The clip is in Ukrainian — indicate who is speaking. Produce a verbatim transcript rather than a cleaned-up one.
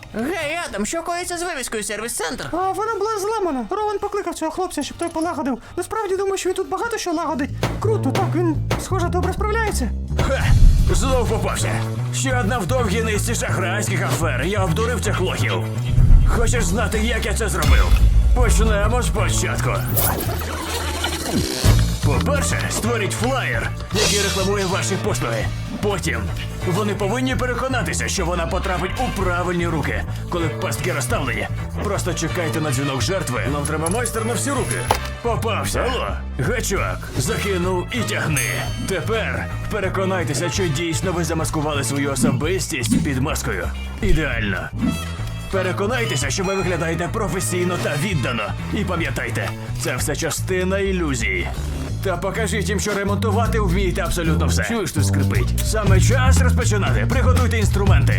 Speaker 1: Гей, Адам, що коїться з вивіскою сервіс-центр?
Speaker 2: А вона була зламана. Рован покликав цього хлопця, щоб той полагодив. Насправді думаю, що він тут багато що лагодить. Круто, так, він, схоже, добре справляється.
Speaker 3: Ха! Знов попався. Ще одна в довгій низці шахрайських афер. Я обдурив цих лохів. Хочеш знати, як я це зробив? Почнемо спочатку. По-перше, створіть флаєр, який рекламує ваші послуги. Потім вони повинні переконатися, що вона потрапить у правильні руки. Коли пастки розставлені, просто чекайте на дзвінок жертви. Нам треба майстер на всі руки. Попався. Алло, гачок, закинув і тягни. Тепер переконайтеся, що дійсно ви замаскували свою особистість під маскою. Ідеально. Переконайтеся, що ви виглядаєте професійно та віддано. І пам'ятайте, це все частина ілюзії. Та покажіть їм, що ремонтувати вмієте абсолютно все. Чуєш, тут скрипить? Саме час розпочинати. Приготуйте інструменти.